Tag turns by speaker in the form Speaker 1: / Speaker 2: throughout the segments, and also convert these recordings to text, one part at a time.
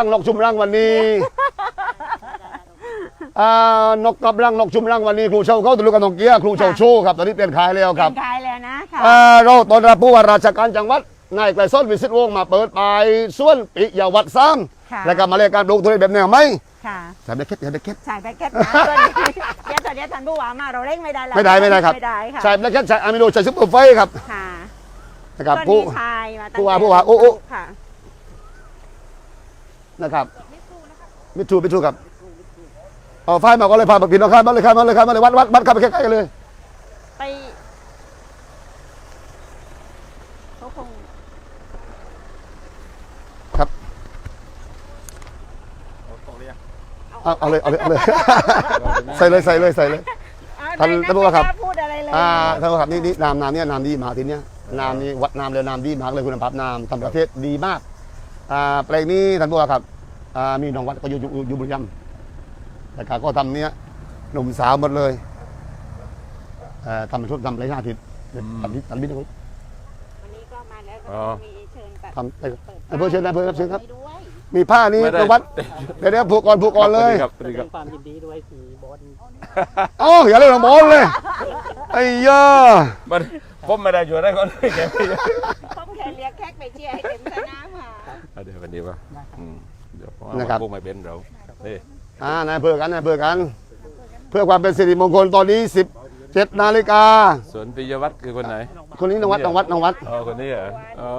Speaker 1: นกชุมรังวันนี้นกกับรังนกชุมรังวันนี้ครูเชาเขาตะลุกันนกเกี้ยครูเชาโชว์ครับตอนนี้เปลี่ยนขายแล้วครับ
Speaker 2: ขายแล้วนะค่ะ
Speaker 1: เราตอนรับผู้ว่าราชการจังหวัดนายไกลส้นวิสิตวงศ์มาเปิดปลายส่วนปิยวัฒน์ซ้ำแล้วก็มาเรียกการปลูกทุเรียนแบบแนวไหมใส่แบคเก็ตใส่แบคเก็ต
Speaker 2: ใส่แบคเก็ตนะตัวนี้เดี๋ยวท่านผู้ว่ามาเราเร่งไม่ได้แล้ว
Speaker 1: ไม่ได้ครับใส่แบคเก็ตใส่อะมิโนใส่ซุปเปอร์ไฟครับนะครับผู้ว่าโอ้นะครับมิทูครับเอาไฟมาก็เลยพาพี่น้องข้ามมาเลยวัดเข้าไปใกล้ๆกันเลย
Speaker 2: ไปเขาคง
Speaker 1: ครับเอาเลยใส่เลยท่านผู้ว่าครับ
Speaker 2: พูดอะไรเลย
Speaker 1: ท่านผู้ว่าครับนี่น้ำเนี่ยน้ำดีมากทีเนี้ยน้ำนี่วัดน้ำเลยน้ำดีมากเลยคุณภาพน้ำทำประเทศดีมากแปลงนี้ท่านผู้ว่าครับมีน้องวัดก็อยู่บุรีรัมย์แต่ก็ทำเนี้ยหนุ่มสาวหมดเลยทำชุดทำไรหน้าทิศทำบินนะครับ
Speaker 2: วันนี้ก็มาแล้วก็มีเชิญแบบ
Speaker 1: ทำเพื่อเชิญครับมีผ้านี้น้องวัดเดี๋ยวผูกก่อนเลย
Speaker 3: ความยินดีด้วยสีบอล
Speaker 1: อย่าเล่นบอลเลยไอ้ย่า
Speaker 4: ผมไม่ได้ช่วยได้ก่อนเลย
Speaker 2: ผมแค่เรียกแขกไปเชียร์ให้เต็มสนามค่ะ
Speaker 4: เดี๋ยววันนี้ป่ะเดี๋ยวพวกไม่เป็นเรา
Speaker 1: นายเพื่อกันเพื่อความเป็นสิริมงคลตอนนี้17 นาฬิกา
Speaker 4: ส่วนปิยวัฒน์คือคนไหน
Speaker 1: คนนี้น้องวัด
Speaker 4: คนนี้เหรอ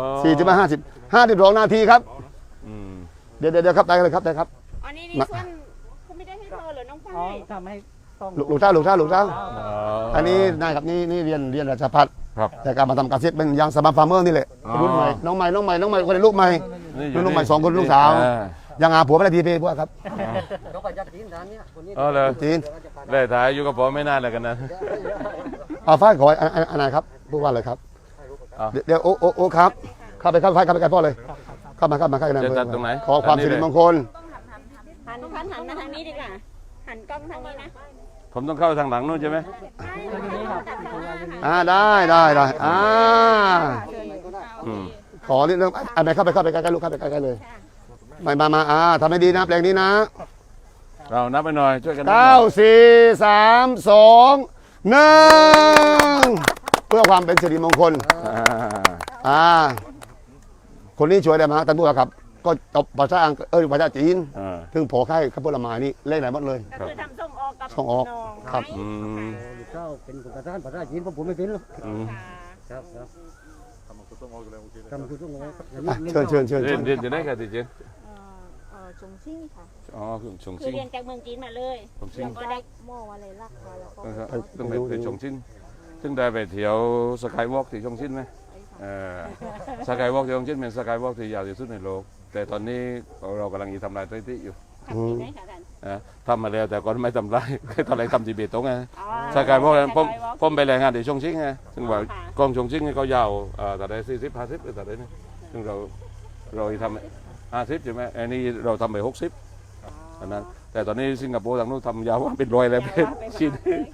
Speaker 1: 52 นาทีครับเดี๋ยวครับได้เลยครับ
Speaker 2: อันนี้ส่วนคุณไม่ได้ให้เธอหรือน้องฝ้าย
Speaker 3: ทำให้
Speaker 1: ลูกเจ้าอันนี้นายครับนี่เรียนราชภัฏแต่การมาทำการเกษตรเป็นยังสมาร์ทฟาร์มเมอร์นี่แหละรุ่นใหม่น้องใหม่คนในลูกใหม่ลูกใหม่2 คนลูกสาวยังหาผัวไม่ได้ทีเพพวกครับ
Speaker 4: เลยจีนได้ถ่ายอยู่กับผมไม่นานเลยกันนะ
Speaker 1: ฟ้าขออันไหนครับพูดว่าเลยครับเดี๋ยวโอ้ครับเข้าไปพ่อเลยเข้ามาใกล้กัน
Speaker 4: จะจัดตรงไหน
Speaker 1: ขอความสิริมงคล
Speaker 2: หันมาทางนี้ดีกว่าหันกล้องทางนี้นะ
Speaker 4: ผมต้องเข้าทางหลังนู่นใช่ไหม
Speaker 1: ได้ขอนิดนึงไปเข้าไปใกล้ลูกเข้าไปใกล้เลยมาทำให้ดีนะแปลงนี้นะ
Speaker 4: เรานับไปหน่อยช่วยกัน
Speaker 1: 9 4 3 2 1เพื่อความเป็นสิริมงคลคนนี้ช่วยได้ไหมท่านผู้ว่าครับก็ตบภาษาอังกฤษภาษาจีนถึงพอค่ายข้าวผลไม้นี่เล่นไหนหมดเลย
Speaker 2: ก็คือทำส่งออก
Speaker 1: ครับ
Speaker 3: เจ้าเป็นภาษาจีนผมไม่เป็นหรอกครับ
Speaker 1: ทำคุณต้องออกเลยเชิญ
Speaker 4: เรียนจะได้กันดิเจน
Speaker 2: ชงชิ่งค่ะ
Speaker 4: ชง
Speaker 2: ชิ่งคือเรียนจากเมืองจีนมาเลย
Speaker 4: แล้ว
Speaker 2: ก็ได้โม่อะไรลักมาแล้วก็
Speaker 4: ต้องไปชงชิ่งซึ่งได้ไปเที่ยวสกายวอล์กที่ชงชิ่งไหมสกายวอล์กที่ชงชิ่งเป็นสกายวอล์กที่ยาวที่สุดในโลกแต่ตอนนี้เรากำลังทำลายสถิติอยู่ทำมาแล้วแต่ก่อนไม่ทำลายตอนแรกทำจีเบตงไงสกายวอล์กผมไปรายงานที่ชงชิ่งไงซึ่งว่ากองชงชิ่งเขายาวแต่ได้40-50แต่ได้นี่ซึ่งเราทำ50ใช่ไหมอันนี้เราทำไป60อันนั้นแต่ตอนนี้สิงคโปร์ทางนู้นทำยาวว่าเป็น100แล้วเป็นชิ้น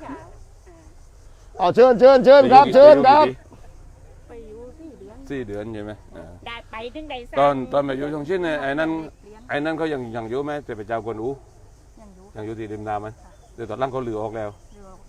Speaker 1: เชิญครับ
Speaker 2: ไปอยู่
Speaker 4: 4 เดือนใช่ไหม
Speaker 2: ได้ไปถึงได้
Speaker 4: ตอนไปอยู่ชงชิ่งเนี่ยไอ้นั่นเขายังอยู่ไหมแต่ไปเจ้ากวนอูยังอยู่ที่ริมน้ำไหมแต่ตอนหลังเขาลือออกแล้ว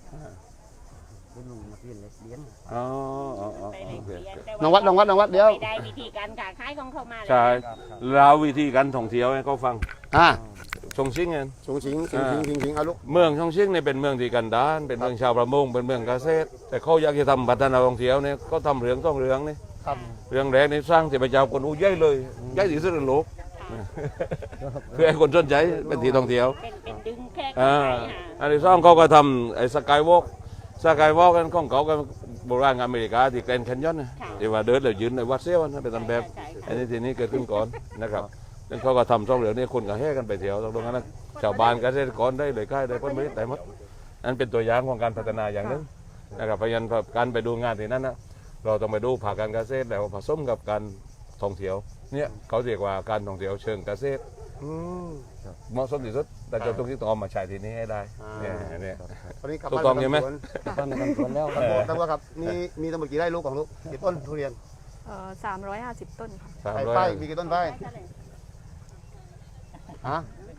Speaker 1: น้องวัดเดี๋ยว
Speaker 2: ได้วิธีการขายของเขามา
Speaker 4: ใช่แล้ววิธีการท่องเที่ยวให้เขาฟังชงชิ่ง
Speaker 1: เอาลูก
Speaker 4: เมืองชงชิ่งเนี่ยเป็นเมืองที่กันดารเป็นเมืองชาวประมงเป็นเมืองเกษตรแต่เขาอยากจะทำพัฒนาท่องเที่ยวเนี่ยก็ทำเรื่องนี่เรื่องแรกนี่สร้างที่พระเจ้ากวนอูใหญ่เลยใหญ่ที่สุดในโลกเพื่อให้คนสนใจเป็นที่ท่องเที่ยว
Speaker 2: เป็นดึงแค่
Speaker 4: อันที่สองเขาก็ทำไอ้สกายวอล์กกันของเขาก็โบราณอเมริกาที่แกรนด์แคนยอนนะที่ว่าเดินแล้วยืนในวัดเซี่ยวนะเป็นตำแบบอันนี้ทีนี้เกิดขึ้นก่อนนะครับแล้วเขาก็ทำช่องเหลือนี่คนก็แห่กันไปเที่ยวตรงนั้นชาวบ้านเกษตรกรได้เลยค่ายได้ผลผลิตแต่หมดนั่นเป็นตัวอย่างของการพัฒนาอย่างนึงนะครับพยายามการไปดูงานที่นั้นนะเราต้องไปดูภาคการเกษตรแล้วผสมกับการท่องเที่ยวเนี่ยเขาเรียกว่าการท่องเที่ยวเชิงเกษตรเหมาะสมที่สุดแต่จะต้องที่ต้องมาใช้ที่นี้ให้ได้เนี่ยถูกต้องใช่ไหม
Speaker 3: แล้ว
Speaker 1: แต่ว่าครับมีทั้งหมดกี่ไร่ลูกของลูกกี่ต้นทุเรียน
Speaker 2: 350 ต้นค่ะ
Speaker 1: ป้ายมีกี่ต้นป้ายฮะ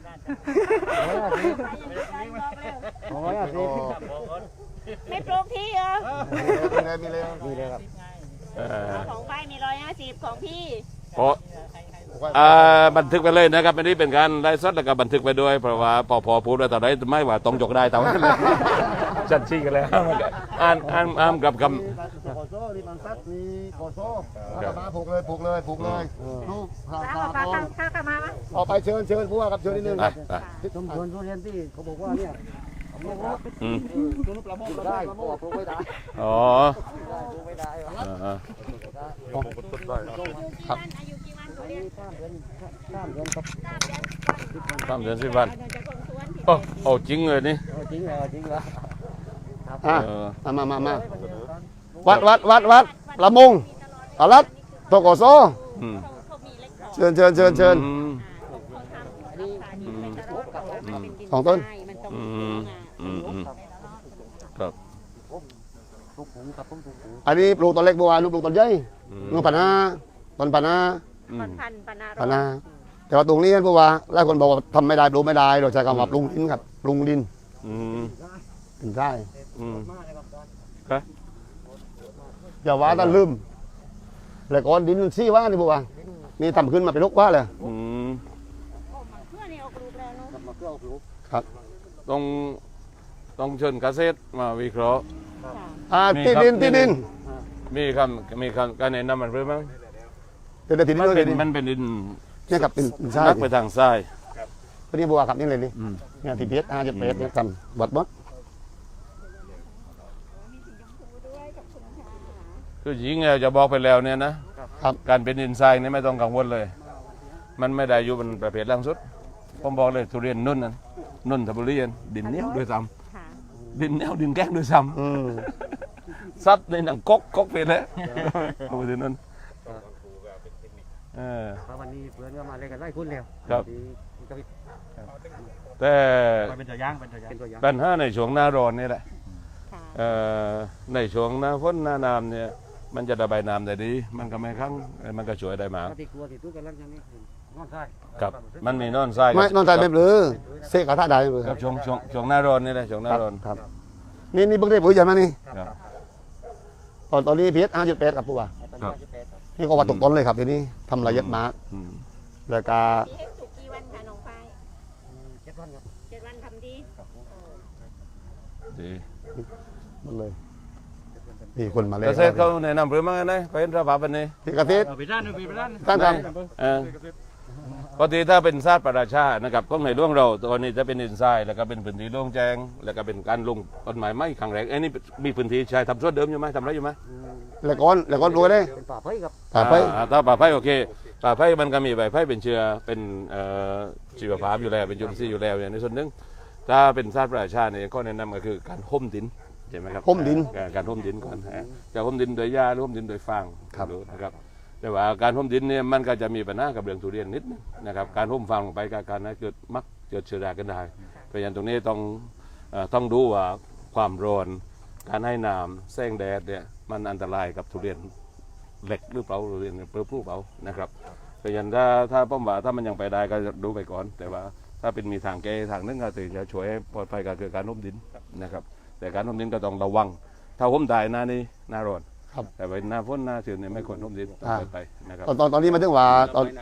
Speaker 2: ไม่ปลูกที่เหรอ
Speaker 1: มีเลย
Speaker 3: มีเลยครับ
Speaker 2: ของไปมี150ของพี่
Speaker 4: เพราะบันทึกไปเลยนะครับอันนี้เป็นการไลฟ์สดแล้วก็บันทึกไปด้วยเพราะว่าพอพูดแล้วตอนนี้ไม่ว่าต้องจกได้แต่ว่า ชัดชี้กันแล้วอ่านกับค
Speaker 1: มีกอโซ่มีบางซัดมีกอโซ่มาผูกเลยลูกพา
Speaker 2: ข้าวกลับมาไหม
Speaker 1: ออกไปเชิญผู้ว่าครับเชิญนิดนึง
Speaker 4: ำ
Speaker 1: ค
Speaker 4: อ่ะ
Speaker 1: รับ
Speaker 4: อ่ะ
Speaker 3: สมควรทุเรียนที่เขาบอกว่าเนี่ยไม่ว่า
Speaker 4: อืม
Speaker 3: ได้บอกปลูกไม่ได้
Speaker 4: อ๋อ
Speaker 3: ปลูกไม่ได้
Speaker 4: อ่า
Speaker 1: ครับ
Speaker 2: อายุกี่วันทุเรียน
Speaker 3: 3 เดือนครับ
Speaker 4: 3 เดือน10 วัน
Speaker 2: เดินจากคนสวน
Speaker 4: โอ้จริงเลยนี่
Speaker 3: จริงเหรอจริงเหรอ
Speaker 1: อ่ะ
Speaker 4: เออ
Speaker 1: มาวัดละมงอารัตโตโกโซ
Speaker 4: อืม
Speaker 2: เขามีเล็ก
Speaker 1: เชิญ
Speaker 4: อืม
Speaker 1: ของต้น
Speaker 2: มันต้อง
Speaker 4: อืมอืมครับ
Speaker 3: ปลูกปุ๋งครับผมปลูกปุ๋ง
Speaker 1: อันนี้ปลูกต้นเล็กบัวลูกปลูกต้นใหญ่
Speaker 4: อืม
Speaker 1: ลูกปานาต้นปานา
Speaker 4: อื
Speaker 2: พั
Speaker 4: ม
Speaker 2: นพันปนา
Speaker 1: ปานาแต่ว่าตรงนี้บัวหลายคนบอกว่าทำไม่ได้ปลูกไม่ได้เราใช้คำว่าปรุงดินครับปรุงดิน
Speaker 4: อืม
Speaker 1: ถึงได้
Speaker 4: อืม
Speaker 3: มากเลยครับ
Speaker 4: ครับ
Speaker 1: อย่าว่าแต่ลืมแล้วก้อนดินซี่ว่านี่บัวนี่ทำขึ้นมาเป็นลูกว่าเลย
Speaker 4: อืม
Speaker 2: เพื่อนนี่ออกรูปแล้วเนาะ
Speaker 3: กลับมาเพื่อเอาปลูก
Speaker 4: ต้องเชิญเกษตรมาวิเคราะห์ มี
Speaker 1: ที่
Speaker 4: ครับ
Speaker 1: ดิน
Speaker 4: มีคำการแนะนำมันเพิ่มมั้ง
Speaker 1: เป็นที่ดิน
Speaker 4: มัน
Speaker 1: ด้วย
Speaker 4: เป็น
Speaker 1: ดิน
Speaker 4: มันเป็นดิน
Speaker 1: เนี่ยครับเป็นใช่
Speaker 4: นักไปทางซ้าย
Speaker 1: ตัวนี้บัวครับนี่เลยนี่
Speaker 4: อืม
Speaker 1: เนี่ยที่เพชรจะเพชรเนี่ยทำวัดวัด
Speaker 4: คือหญิงเนี่ยจะบอกไปแล้วเนี่ยนะครับ การเป็นดินทรายเนี่ยไม่ต้องกังวลเลย มันไม่ได้อยู่บนประเภทล่างสุดผมบอกเลยทุเรียนนุ่นทบุรีดินเหนียวด้วยซ้
Speaker 2: ค่ะ
Speaker 4: ำดินเหนียวดินแก้งด้วยซ้
Speaker 1: อืม
Speaker 4: ำซัดในหนังก๊กเป็นแล้วดูสินั่นเออ
Speaker 3: เพราะวันนี้เพื่อนก็มาเล่นกันไล่คุณแล้ว
Speaker 4: ครับ
Speaker 3: ที่กระพริบ
Speaker 4: แต่
Speaker 3: เป็นตัวอย่างเป็นตัวอย่าง
Speaker 4: ปัญหาในช่วงหน้าร้อนนี่แหละ
Speaker 2: ค่ะ
Speaker 4: ในช่วงหน้าฝนหน้าน้ำเนี่ยมันจะระบายน้ำได้ดี มันก็ไม่ครั้งมันก็ช่วยได้มาก
Speaker 3: ที่กลัวที่ตู้กันแล้วอย่างนี้นอนใช่
Speaker 4: ครับมันมีนอนทราย
Speaker 1: ไม่นอนใจไม่เปลือเสกกระทะได้ไม่เปลือ
Speaker 4: ครับช่วงหน้าร้อนนี่แหละช่วงหน้าร้อน
Speaker 1: ครับนี่เพิ่งได้ปุ๋ยใช่ไหมนี่
Speaker 4: ครับ
Speaker 1: ตอนนี้เพชร5.8ครับผู้ว่า
Speaker 4: ครับ
Speaker 1: นี่ก็ว่าตกต้นเลยครับทีนี้ทำละเอียดมาก
Speaker 4: อืม
Speaker 1: แล้วก็
Speaker 2: พี่เฮ็ดสุกกี่วันคะน้องไฟ
Speaker 3: 7 วันครับ
Speaker 2: 7 วันทำดี
Speaker 4: ดี
Speaker 1: หมดเลยมีคนมาเลย
Speaker 4: เกษตรเขาแนะนำเพื่อมาไงไปเห็นสภาพแบบนี้
Speaker 1: ที่เกษตร
Speaker 3: ไปด้านไปด้าน
Speaker 1: ท่านท
Speaker 4: ปกติถ้าเป็นชาติประชาชานะครับก็ในร่วงเราตัวนี้จะเป็นดินทรายแล้วก็เป็นพื้นที่โล่งแจ้งแล้วก็เป็นการลงต้นไม้ไม้ขังแรงไอ้นี่มีพื้นที่ใช้ทำสวนเดิมอยู่ไหมทำไรอยู่ไหม
Speaker 1: ำแล้วก้อนรวยเลย
Speaker 3: เป็นป่าไผ่ครับ
Speaker 1: ถามไป
Speaker 4: ถ้าป่าไผ่โอเคป่าไผ่มันก็มีใบไผ่เป็นเชื้อเป็นชีวภาพอยู่แล้วเป็นจุลินทรีย์อยู่แล้วเนี่ยในส่วนหนึ่งถ้าเป็นชาติประชาชาเนี่ยก็แนะนำก็คือการห่มดินใช่ไหมครับ
Speaker 1: ห่มดิน
Speaker 4: การห่มดินก่อนจะห่มดินโดยหญ้าหรือห่มดินโดยฟาง
Speaker 1: ครับ
Speaker 4: ดูนะครับแต่ว่าการห่มดินเนี่ยมันก็จะมีปัญหากับเรื่องทุเรียนนิดนึงนะครับการห่มฟางลงไปกับการนั้นเกิดมักเกิดเชื้อรากันได้เพราะฉะนั้นตรงนี้ต้องดูว่าความร้อนการให้น้ำแสงแดดเนี่ยมันอันตรายกับทุเรียนเหล็กหรือเปล่าทุเรียนเปลือกเปล่านะครับเพราะฉะนั้นถ้าป้อมว่าถ้ามันยังไปได้ก็ดูไปก่อน แต่ว่าถ้าเป็นมีทางแก้ทางนึงก็ถึงจะช่วยให้ปลอดภัยกับเกิดการห่มดินนะครับแต่การห่มดินก็ต้องระวัง ถ้าห่มได้หน้านี้หน้าร้อน
Speaker 1: ครับ
Speaker 4: แต่ไปหน้าฝนหน้าชื้นเนี่ยไม่ควรห่มดินต้องเปิดไปนะครับ
Speaker 1: ตอนนี้มาถึงว่าตอน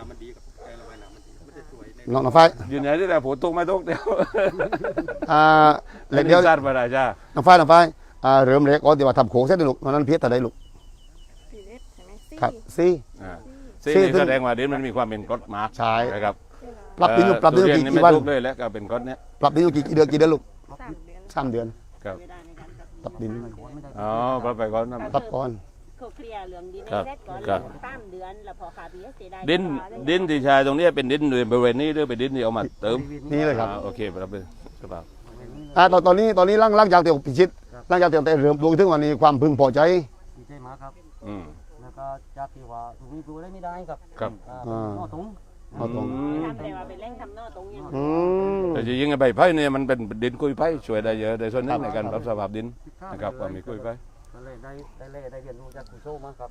Speaker 1: น้องไฟ
Speaker 4: ยืนยันที่แต่ผมตกไม่ตกเดียว
Speaker 1: เหล็กเดียว
Speaker 4: ชาติประชาชา
Speaker 1: น้องไฟเริ่มเล็กก่อนที่ว่าทำโค้งเส้นลูกตอนนั้นเพชรแต่ได้ลูก
Speaker 2: พี่เล็กใช่ไหม
Speaker 1: ครับซี
Speaker 4: ซึ่ง
Speaker 1: ซึ่ง
Speaker 4: นี่แสดงว่าดินมันมีความเป็นกรดมาร์ก
Speaker 1: ใช่
Speaker 4: นะครับ
Speaker 1: ปรับดินอยู่ปรับดินอยู่
Speaker 4: ทุเนี่
Speaker 1: กี่
Speaker 4: ไม่
Speaker 1: วัน
Speaker 4: ตกเลยแล้วก็เป็นกรดเนี้ย
Speaker 1: ปรับดินอยู่กี่เดือนลูก
Speaker 2: 3 เดือน
Speaker 1: 3 เดือน
Speaker 4: ครับ
Speaker 2: เวลาในการปรับ
Speaker 1: ปรับดิน
Speaker 4: อ๋อปรับไปก่อนนะ
Speaker 1: ปรับก่อน
Speaker 2: เขาเคลียร์เรื่องดิน
Speaker 4: ครับ
Speaker 2: ให้เสร็จก่อน
Speaker 4: ครับ
Speaker 2: 3 เดือนแล้วพอขาพี่เสียดาย
Speaker 4: ดินที่ใช้ตรงนี้เป็นดินบริเวณนี้หรือเป็นดินที่เอามาเติม
Speaker 1: นี่เลยครับ
Speaker 4: โอเคปรับเป็นสภาพ
Speaker 1: ตอนนี้ร่างจากเตียวพิชิตร่างจากเตียวแต่เริ่มดูถึงวันนี้ความพึงพอใจ
Speaker 3: ดีใจมากครับ
Speaker 4: อืม
Speaker 3: แล้วก็จากที่ว่าตรงนี้ปลูกได้ไม่ได้ครับ
Speaker 4: ครับ
Speaker 3: นอตุง
Speaker 1: เอาตรง
Speaker 2: ทำแต่ว่าเป็นแร่งทำนอตรงนี้
Speaker 1: อืม
Speaker 4: แต่จริงๆใบไผ่เนี่ยมันเป็นดินกุยไผ่ช่วยได้เยอะในส่วนหนึงในการปรับสภาพดินนะครับความมีกุยไผ่
Speaker 3: ก็เลยได้เรียนรู้จากคุณโซ่มาครับ
Speaker 4: ครับ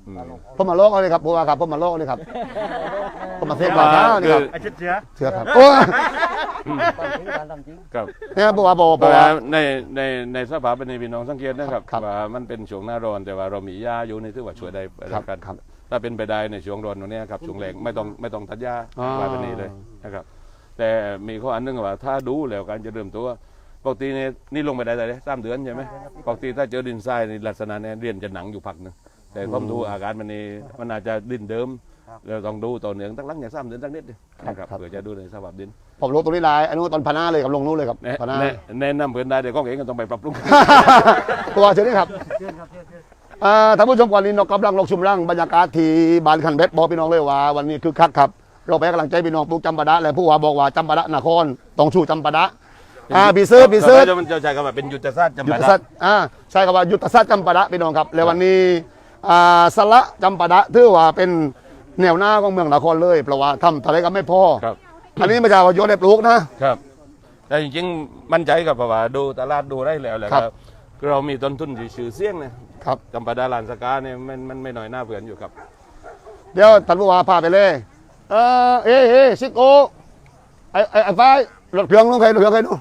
Speaker 1: ผมมาโลกเลยครับผู้ว่าครับผมมาโลกเลยครับผมมาเซ็ตบาท้านี่ครับ
Speaker 3: ไอ้เชื้อ
Speaker 1: เชื่อครับโอ้
Speaker 3: การทำจริง
Speaker 4: ครับ
Speaker 1: เนี่ยผู้ว่าบอก
Speaker 4: เพราะ
Speaker 1: ว่า
Speaker 4: ว่าในสภาเป็นพี่น้องสังเกตนะครับ
Speaker 1: ครับ
Speaker 4: ว่ามันเป็นช่วงหน้าร้อนแต่ว่าเรามีหญ้าอยู่ในที่ว่าช่วยได้
Speaker 1: ครับ
Speaker 4: กัน
Speaker 1: ครับ
Speaker 4: ถ้าเป็นไปได้ในช่วงร้อนตรงเนี้ยครับช่วงแรงไม่ต้องตัดหญ้า
Speaker 1: อ๋อ
Speaker 4: ไว้แบบนี้เลยนะครับ แต่มีข้ออันหนึงว่าถ้าดูแล้วการจะเริ่มตัวปกตินี่ลงไปได้เลย3 เดือนใช่ไหมปกติถ้าเจอดินทรายในลักษณะเนี้เรียนจะหนังอยู่พักหนึงแต่ผมดูอาการมันอาจจะดินเดิมเราต้องดูต่อเนื่องตั้งหลังอย่าง3 เดือนตั้งนิดนึงนะครับเพื่อจะดูในสภาพดิน
Speaker 1: ผมรู้ตรงนี้ลายอันนู้นตอนพนาเลยกับลงนู้นเลยครับพนา
Speaker 4: แนะนำเพื่อนได้เดี๋ยวก็เองก็ต้องไปปรับปรุง
Speaker 1: ผู้ว่าเชิญนี่ครับ
Speaker 3: เชื่อครับเชื่อ
Speaker 1: ท่านผู้ชมก่อนนี้นกกำลังลงชุมร่างบรรยากาศที่บ้านขันเพชรบอกพี่น้องเลยว่าวันนี้คือคักครับเราไปให้กำลังใจพี่น้องปลูกจำปาดะและผู้ว่าบอกว่าจำปาดะนครต้องชูจำปาดะปีเซอร์
Speaker 4: มันจะใช้คำว่าเป็นยุทธศาสตร์จำ
Speaker 1: ยุท
Speaker 4: ปา
Speaker 1: ธ
Speaker 4: ดะ
Speaker 1: ศาสตร์ใช่คำว่ายุทธศาสตร์จำปาดะพี่น้องครับและวันนี้สละจำปาดะถือว่าเป็นแนวหน้าของเมืองนครเลยเพราะว่าทำอะไรก็ไม่พอ
Speaker 4: ครับ
Speaker 1: อันนี้ไม่ใช่ว่าโยนให้ปลูกนะครับ
Speaker 4: แต่จริงๆมั่นใจกับเพราะว่าดูตลาดดูได้แล้วแหละ
Speaker 1: ครับ
Speaker 4: คือเรามีต้นทุนชื่อเสียงนะครับ จำปาดาลานสกาเนี่ยมันไม่น้อยหน้าเผื่อนอยู่ครับ
Speaker 1: เดี๋ยวท่านผู้ว่าพาไปเลยซิโก้ไอ้ฟ้ารถเครื่องลงใครรถเครื่องใครดู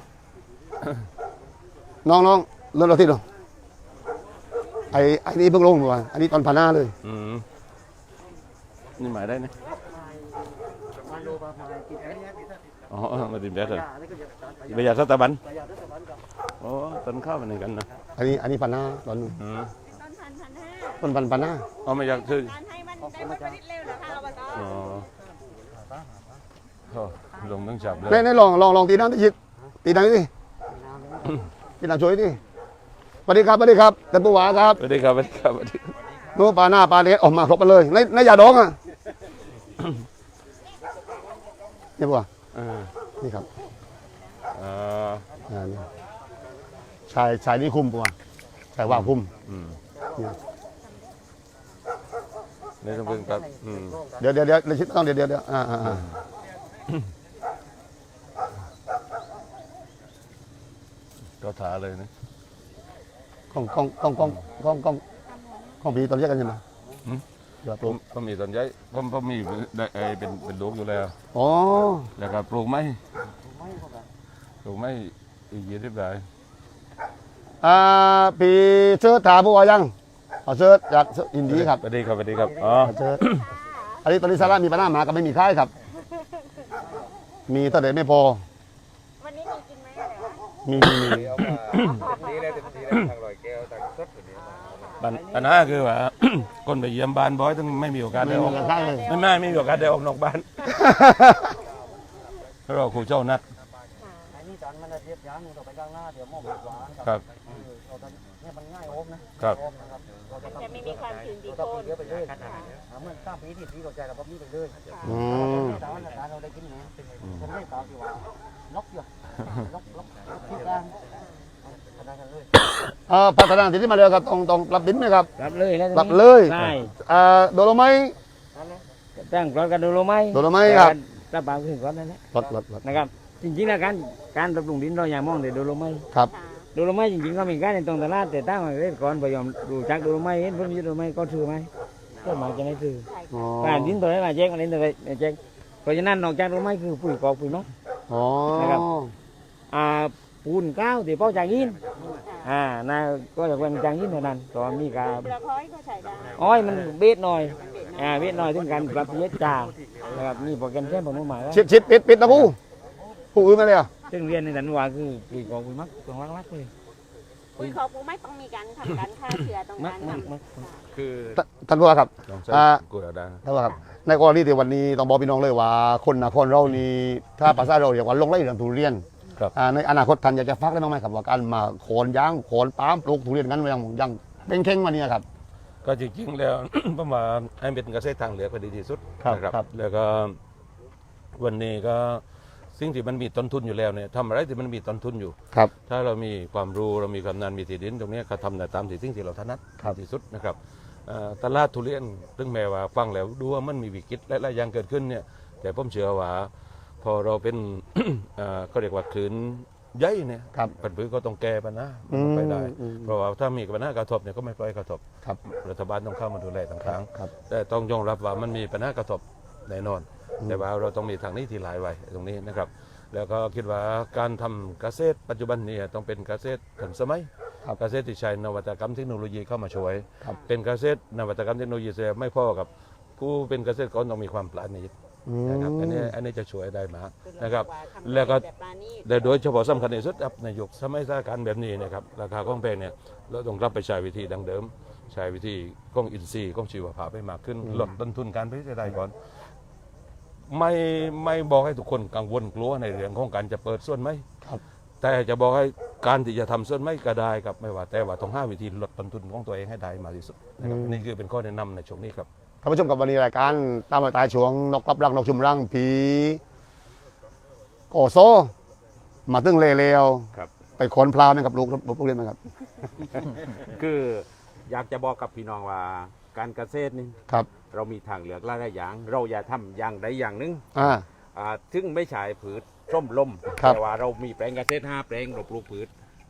Speaker 1: น้องรถที่ดูไอ้นี่เพิ่งลงมาอันนี้ตอนพาหน้าเลย
Speaker 4: นี่หมายได้นะ
Speaker 3: มาโลบามากินอะไรเนี่ยกิน
Speaker 4: อ๋อมาดิมแดดเลย
Speaker 3: อะไรก็จะตามไป
Speaker 4: ประหยัดสตาบัน
Speaker 3: ประหยัดรัฐบาลกับ
Speaker 4: อ๋อต้นข้าวมันนี่กันนะ
Speaker 1: อันนี้พาหน้าตอนนู้น
Speaker 4: อืม
Speaker 2: ต้นพัน
Speaker 1: ต้นพาหน้า
Speaker 4: อ๋อไม่อยากซื้อ
Speaker 2: การให้มันได้ผลผลิตเร็วนะคะอบต
Speaker 4: อ๋อโอ้ลงต้องจับเลย
Speaker 1: เนี่ยลองตีน้ำที่ชิดตีน้ำดิตีน้ำช่วยดิสวัสดีครับท่านผู้ว่าครับ
Speaker 4: สวัสดีครับสวัสดีครับสวัสดีครับ
Speaker 1: นู้นปลาหน้าปลาเล็ดออกมาครบกันเลยในยาดองอ่ะเนี่ยผู้ว่า
Speaker 4: อ่า
Speaker 1: นี่ครับ
Speaker 4: อ่า
Speaker 1: นี่ชายนี่คุมผู้ว่าชายว่าคุม
Speaker 4: อืม
Speaker 1: เนี่ย
Speaker 4: นี่ต้องเป็นครับอืม
Speaker 1: เดี๋ยวต้องเดี๋ยว
Speaker 4: ก็ถาเลยนะ
Speaker 1: ของพี่ตอนเรียกกันใช่ไหมเดี๋ยวปลูก
Speaker 4: ผมมีต้นใหญ่ผมมีเป็นลูกอยู่แล้ว
Speaker 1: อ๋อ
Speaker 4: แล้วก็ปลูกไม้ปลูกไม้อีก20 ได้
Speaker 1: พี่เชิดถามผู้ว่ายังเอาเชิดจากอินดีครับ
Speaker 4: สวัสดีครับสวัสดีครับอ๋อ
Speaker 1: เชิดอันนี้ตอนนี้สาระมีปัญหาหมาก็ไม่มีค่ายครับ มีเท่าไหร่ไม่พอ
Speaker 2: วันนี้มีกินไหมอะไรวะ
Speaker 1: มี
Speaker 5: นี่ได้เต็มที่แล้วทางลอยแก้วทางสดแบบนี้
Speaker 4: ปัญหาคือว่า คนไปเยี่ยมบ้านบ่อยต้องไม่มีโอกาส
Speaker 1: ไม่
Speaker 4: ได้อ
Speaker 1: มี
Speaker 4: อก
Speaker 1: ค่ายเลย
Speaker 4: ไม่มีโอกาสได้ออกนอกบ้านเราครูเจ้านัด
Speaker 3: ไอ้นี่จานมันเทียบยางต่อไปข้างหน้าเดี๋ยวมองหวาน
Speaker 4: ครับ
Speaker 3: เราจะเนี่ยมันง่ายโอมนะครับ โอมนะครับเราจะ
Speaker 2: แต่ไม่มีความชื้นดี
Speaker 3: เรา
Speaker 2: โค
Speaker 3: ต้อง
Speaker 2: น
Speaker 3: เยอะไปเลยเมื่อ3 ปีที่ปีเราใจเราแบบนี้ไปเลย
Speaker 1: อืม
Speaker 3: แต่ว่าเราได้กินเนี่ยฉันไม่ตามที่ว่าล็อกอยู่ล็อกที่กลางขนาดนั้นเลย
Speaker 1: พัฒนาที่มาเร็วครับต้องรับดินไหมครับ
Speaker 6: รับเลยแล้ว
Speaker 1: รับเลย
Speaker 6: ใช่
Speaker 1: โดโลไม้
Speaker 6: ตั้งกรอนกันดูโลไหม
Speaker 1: โดโลไม้ครับ
Speaker 6: รับบางขึ้นก่อนนั่นแหละ
Speaker 1: รถ
Speaker 6: นะครับ จริงๆแล้วการปรับปรุงดินเราอย่ามองแต่โดโลไม้
Speaker 1: ครับ
Speaker 6: โดโลไม้จริงๆก็มีการในตรงตลาดแต่ตั้งไว้เล่นก่อนพยายามดูจักโดโลไม้เห็นเพิ่มโดโลไม้ก็ถือไหมก็มาจะไม่ถือ
Speaker 1: อ๋อ
Speaker 6: การดินตัวไหนมาแจ้งอะไรตัวไหนแจ้งเพราะฉะนั้นนอกจากโดโลไม้คือปุ๋ยกอกปุ๋ยมัก
Speaker 1: อ๋อ
Speaker 6: นะครับ ปูนก้าวที่เป้าจางยินน่าก็จะเป็นจางยินเท่านั้นตอนมีการ
Speaker 2: เปลือกหอยก็ใส่ได้
Speaker 6: อ้อยมันเบ็ดหน่อยเบ็ดหน่อยถึงการปรับเยอะจ่านะครับนี่โปรแกรมแค่ผมหมายว่า
Speaker 1: ชิดปิดนะผู้อื่นมาเลยอ่ะ
Speaker 6: ซึ่งเรียนในสันว่าคือปุ๋ยกอกปุ๋ยมักตรงรักๆเลย
Speaker 2: ปุ๋ยคอปูไม่ต้องมีการทำการฆ่าเชื้อตรง
Speaker 6: มัก
Speaker 2: นั้น
Speaker 6: มัก
Speaker 4: คือ
Speaker 1: ท่านผู้ว่าครับ
Speaker 4: ลองใช้
Speaker 1: อ่า
Speaker 4: กูเอาได้
Speaker 1: ท่านผู้ว่าครับในกรณีที่วันนี้ต้องบอกพี่น้องเลยว่าคนนครเรานี่ถ้าภาษาเราเรียกว่าลงไร่เรื่องทุเรียน
Speaker 4: ครับ
Speaker 1: ในอนาคตท่านอยากจะฟักได้บ้างไหมครับว่าการมาโขนยางโขนปาล์มปลูกทุเรียนกันยังเป็นเข่งมาเนี่ยครับ
Speaker 4: ก็จริงๆแล้ว ผมว่าให้เป็นเกษตรทางเหลือกก็ดีที่สุด
Speaker 1: ครับ
Speaker 4: นะครับ แล้วก็วันนี้ก็สิ่งที่มันมีต้นทุนอยู่แล้วเนี่ยทำอะไรที่มันมีต้นทุนอยู่
Speaker 1: ครับ
Speaker 4: ถ้าเรามีความรู้เรามีความนานมีที่ดินตรงเนี้ยก็ทำแต่ตามสิ่งที่เราถนัด
Speaker 1: ครับ
Speaker 4: ที่สุดนะครับตลาดทุเรียนซึ่งแม้ว่าฟังแล้วดูว่ามันมีวิกฤตและอย่างเกิดขึ้นเนี่ยแต่ผมเชื่อว่าพอเราเป็น เขาเรียกว่าคลื่นใหญ่เนี่ย
Speaker 1: ครับ
Speaker 4: ปัญหาก็ต้องแก้ปัญหา
Speaker 1: อืม
Speaker 4: ไปได้
Speaker 1: อืม
Speaker 4: เพราะว่าถ้ามีปัญหากระทบเนี่ยก็ไม่ปล่อยกระทบ
Speaker 1: ครับ
Speaker 4: รัฐบาลต้องเข้ามาดูแลต่างครั้ง
Speaker 1: ครับ
Speaker 4: แต่ต้องยอมรับว่ามันมีปัญหากระทบแน่นอน แต่ว่าเราต้องมีทางนี้ที่หลายไว้ตรงนี้นะครับ แล้วก็คิดว่าการทำเกษตรปัจจุบันนี้ต้องเป็นเกษตรทันสมัย
Speaker 1: ครับ
Speaker 4: เกษตรที่ใช้นวัตกรรมเทคโนโลยีเข้ามาช่วย
Speaker 1: ครับ
Speaker 4: เป็นเกษตรนวัตกรรมเทคโนโลยีแต่ไม่พอกับผู้เป็นเกษตรกรต้องมีความปราณีต
Speaker 1: อืม
Speaker 4: นะครับอันนี้จะช่วยได้มาก
Speaker 2: คือ
Speaker 4: นะครับ
Speaker 2: ว่าทำ
Speaker 4: แล้วก็
Speaker 2: แบบปราณีต
Speaker 4: แต่โดยเฉพาะสำคัญที่สุดครับในยุคสมัยสถานการณ์แบบนี้นะครับราคาของแพงเนี่ยเราต้องกลับไปใช้วิธีดังเดิม ใช้วิธีของอินทรีย์ของชีวภาพให้มากขึ้นลดต้นทุนการผลิตได้ก่อนไม่บอกให้ทุกคนกังวลกลัวในเรื่องของการจะเปิดส่วนไหม
Speaker 1: ครับ
Speaker 4: แต่จะบอกให้การที่จะทำส่วนไหมก็ได้ครับไม่ว่าแต่ว่าต้องหาวิธีลดต้นทุนของตัวเองให้ได้มากที่สุดนะครับนี่คือเป็นข้อแนะนำในช่วงนี้ครับ
Speaker 1: ท่านผู้ชมกับวันนี้รายการตามรอยตายช่วงนกรับรังนกชุมรังผีโอโซ มาตึ้งเลว
Speaker 5: ครับ
Speaker 1: ไปขนพลาวนะครับลูกเรียนไหมครับ
Speaker 5: คืออยากจะบอกกับพี่น้องว่าการเกษตรนี่
Speaker 1: ครับ
Speaker 5: เรามีทางเลือกหลายๆอย่าง เราอย่าทำอย่างใดอย่างหนึ่ง ถึงไม่ใช่ผืชส้มลม
Speaker 1: ครับ
Speaker 5: แต่ว่าเรามีแปลงเกษตร5แปลงเราปลูกผืช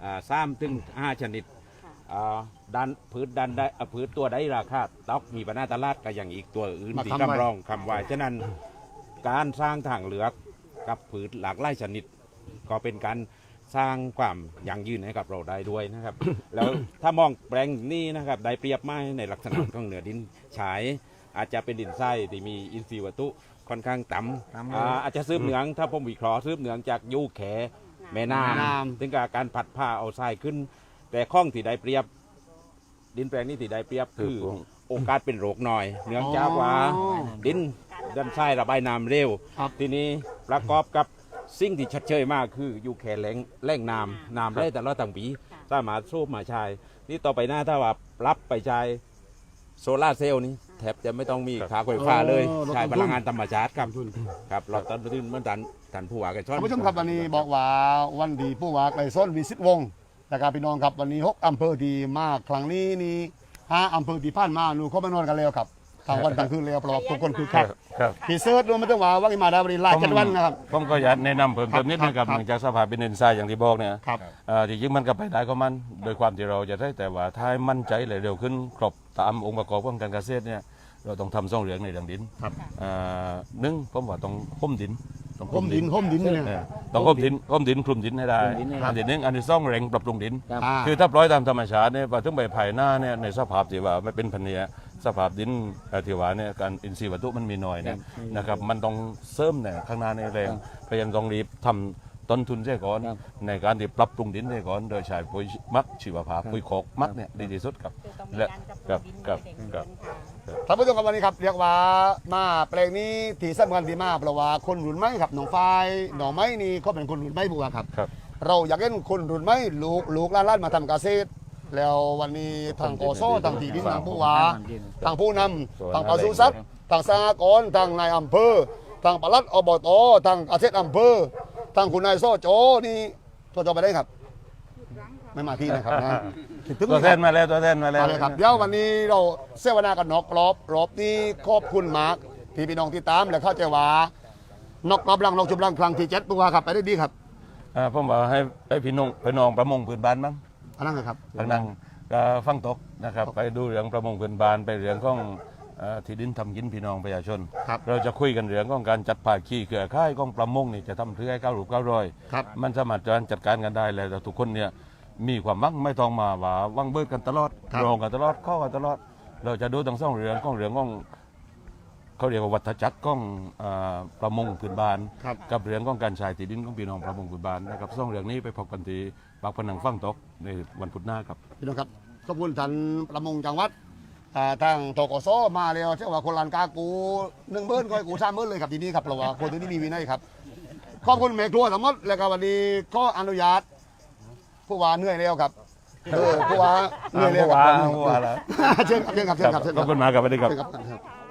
Speaker 5: 3ถึง5ชนิดด้านผืชด้านได้ผืชตัวใดราคาตอกมีปัญหาตลาดก็อย่างอีกตัวอื่น
Speaker 1: มา
Speaker 5: ที่
Speaker 1: ทำไว้
Speaker 5: กำรองคำไว้ฉะนั้นการสร้างทางเลือกกับผืชหลากหลายชนิด ก็เป็นการสร้างความยั่งยืนให้กับเราได้ด้วยนะครับ แล้วถ้ามองแปลงนี้นะครับได้เปรียบมากในลักษณะของเหนือดินฉาย อาจจะเป็นดินทรายที่มีอินทรีย์วัตถุค่อนข้างต่ำอาจจะซื้อเหนืองถ้าผมวิเคราะห์ซื้อเหนืองจากยูแขแม่น้
Speaker 1: แม่น้ำ
Speaker 5: ำถึงกับการผัดผ้าเอาทรายขึ้น แต่ข้องที่ได้เปรียบ ดินแปลงนี้ที่ได้เปรียบคือโอกาสเป็นโรคน้อย เนื่องจากว่าดินดันทรายระบายน้ำเร็ว
Speaker 1: ครับ
Speaker 5: ทีนี้ประกอบกับสิ่งที่ชัดเจนมากคืออยู่แค่แหล่งน้ำได้แต่ละต่างปีสามารถสูบมาใช้นี่ต่อไปหน้าถ้าว่ารับไปใช้โซลาร์เซลล์นี้แทบจะไม่ต้องมีขาไฟฟ้าเลย
Speaker 1: อ๋อ
Speaker 5: ใช้
Speaker 1: ลดต้นทุน
Speaker 5: พลังงานธรรมชาติครับครับเราต้นทุนเหมื่อนท่านผู้ว่ากันชอน
Speaker 1: ท่านผู้ชมครับวันนี้บอกว่าวันดีผู้ว่าไกลส้นวิสิตวงศ์นะครับพี่น้องครับวันนี้6อำเภอดีมากครั้งนี้นี่5อำเภอที่ผ่านมาหนูเขามานอนกันแล้วครับทางวันกลางคืนแล้วเพราะว่าทุกคนคือคัก
Speaker 4: ครับ
Speaker 1: พี่เซิร์ชดูไม่ต้องว่าว่ามาดาวรีไลน์จัดวันนะครับ
Speaker 4: ผมก็อยากแนะนำเพิ่มเติมนิดนึงครับ
Speaker 1: ครับ
Speaker 4: เนื่องจากสภาพเป็นดินทรายอย่างที่บอกเนี่ย
Speaker 1: ครับ
Speaker 4: จริงๆมันก็ไปได้ก็มันโดยความที่เราจะได้แต่ว่าถ้าให้มั่นใจเลยเร็วขึ้นครบตามองค์ประกอบของการเกษตรเนี่ยเราต้องทำซ่องเหลืองในเรื่องดิน
Speaker 1: ครับ
Speaker 4: หนึ่งผมว่าต้องห่มดินต้อง
Speaker 1: ห่มดินเนี่ย
Speaker 4: ต้องห่มดินคลุมดินให้ได้
Speaker 6: คลุมดินให้ได้
Speaker 4: อันที่หนึ่งอันที่สองแรงปรับปรุงดิน
Speaker 6: ครับ
Speaker 4: คือถ้าปล่อยตามธรรมชาติเนี่ยพอถึงใบไผ่หน้าเนี่ยในสภาพที่ว่าไม่เป็นพันธุ์เนี่ยสภาพดินที่ว่าเนี่ยการอินทรีย์วัตถุมันมีน้อยเนี่ยนะครับมันต้องเสริมเนี่ยข้างหน้าในแรงเพราะฉะนั้นต้องรีบทำต้นทุนเสียก่อน
Speaker 6: ครับ
Speaker 4: ในการที่ปรับปรุงดินเสียก่อนโดยใช้ปุ๋ยหมักชีวภาพปุ๋ยคอกหมักเนี่ยดีที่สุดครับ
Speaker 2: คือต้องมี
Speaker 4: และ
Speaker 2: การปรับปรุงดิน
Speaker 4: ครับ
Speaker 2: ให้เด็ก
Speaker 4: ครับ
Speaker 2: เกินค่ะ
Speaker 1: ท่านผู้ชมครับวันนี้ครับเรียกว่ามาแปลงนี้ที่สำคัญที่มากเพราะว่าคนรุ่นใหม่ครับหนองไฟหนองไม้นี่เขาเป็นคนรุ่นใหม่บัวครับ
Speaker 4: ครับ
Speaker 1: เราอยากเห็นคนรุ่นใหม่ลูกหล้านๆมาทำเกษตร แล้ววันนี้ทางโอโซทางที่ดินทางผู้ว่าทางผู้นำทางปศุสัตว์ทางสหกรณ์ทางนายอำเภอทางปลัดอบตทางเกษตรอำเภอทางคุณนายโซโจนี่ตัวไปได้ครับ ไม่มาที่นะครับนะถึง
Speaker 4: ตัวแทนมาแล้วตัวแทนมาแล้ว
Speaker 1: มาเลยครับเดี๋ยววันนี้เราเสวนากันนอกรอบนี้ขอบคุณมากที่พี่น้องที่ตามและเข้าใจว่านอกรอบรังนอกชุมรังครั้งที่7ผู้ว่าครับไปได้ดีครับ
Speaker 4: ผมบอกให้พี่น้องประมงพื้นบ้านบ้าง
Speaker 1: อันนั้นเลยครับ
Speaker 4: ดังๆก็ฟังตกนะครับไปดูเรื่องประมงพื้นบ้านไปเรื่องของที่ดินทำกินพี่น้องประชาชน
Speaker 1: ครับ
Speaker 4: เราจะคุยกันเรื่องของการจัดภาคีเครือข่ายของประมงนี่จะทำเพื่อให้ก้าวรูปก้าวรอย
Speaker 1: ครับ
Speaker 4: มันสามารถจัดการกันได้แล้วแต่ทุกคนเนี่ยมีความมั่งไม่ต้องมาว่าวังเบิดกันตลอด
Speaker 1: ครับ
Speaker 4: รองกันตลอดข้อกันตลอด เราจะดูทั้งสองเรื่องของเขาเรียกว่าวัฏจักรของประมงพื้นบ้าน
Speaker 1: ครับ
Speaker 4: กับเรื่องของการใช้ที่ดินของพี่น้องประมงพื้นบ้านนะครับสองเรื่องนี้ไปพบกันที่ปากพนังฟังตกในวันพุธหน้าครับ
Speaker 1: พี่น้องครับขอบคุณท่านประมงจังหวัดทางตกสมาแล้วเชื่อว่าคนลานกากู1 เบิ้ลก็ให้กู3 เบิ้ลเลยครับทีนี้ครับเพราะว่าคนที่นี่มีวินัยครับขอบคุณแม่ครัวสมมติแล้วก็วันนี้ก็อนุญาตผู้ว่าเหนื่อยแล้วครับผู้ว่าเหนื่อยแล้วครับ
Speaker 4: ผู้ว่าแล้ว
Speaker 1: เชิญครับเชิญครับเชิญครับเชิญ
Speaker 4: ข
Speaker 1: ค
Speaker 4: อ
Speaker 1: รั
Speaker 4: บบ คุณมากครับสวัสดีครับ
Speaker 1: เชิญครับ